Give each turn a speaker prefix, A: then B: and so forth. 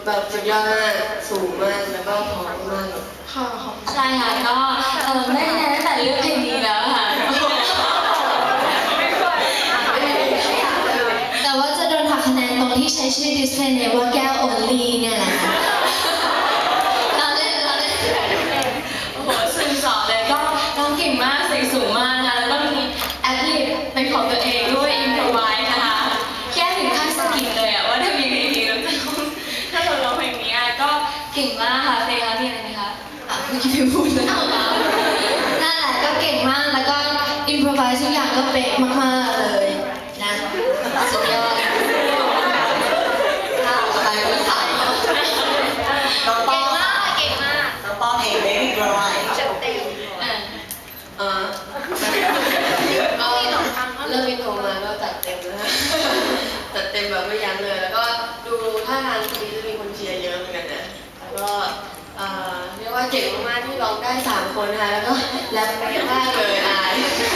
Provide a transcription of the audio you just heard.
A: แบบสุดยอดมากสูงมากแล้วก็พร้อมมาก
B: ค่ะใช่ค่ะก็ได้คะแนนตั้งแต่เลือกเพลงนี้แล้วค่ะแต่ว่าจะโดนหักคะแนนตรงที่ใช้ชื่อดิสเพลย์เนี่ยว่าแก้วโอลีเนี่ยแหละเราเล่นโอ้โหสื่อสอนเลยก็ร้องเก่งมากเสียงสูงมากนะคะแล้วก็มีแอดลิปเป็นของตัวเองด้วยอินโทรไวส์นะคะแค่ถึงขั้นสกิปเลยอะว่าถ้ามีเพลงนี้แล้วจะถ้าเราร้องเพลงนี้ก็เก่งมากค่ะเพลงแล้วมีอะไรไหมคะไม่คิดจะพูดนะนั่นแหละก็เก่งมากแล้วก็อินโทรไวส์ทุกอย่างก็เป๊ะมากๆเลยนะสุดยอด
A: ไปไม่ใส่น้องป้อ
B: เก่งมาก
A: น้องป้อเองเบบี้กรอย
B: จัดเต็ม
A: ก็เริ่มมีโทรมาก็จัดเต็มนะฮะจัดเต็มแบบไม่ยั้งเลยแล้วก็ดูท่าทางคนนี้จะมีคนเชียร์เยอะเหมือนกันนะแล้วก็เรียกว่าเก่งมากๆที่ร้องได้3 คนนะคะแล้วก็แรปไปมากเลยอาย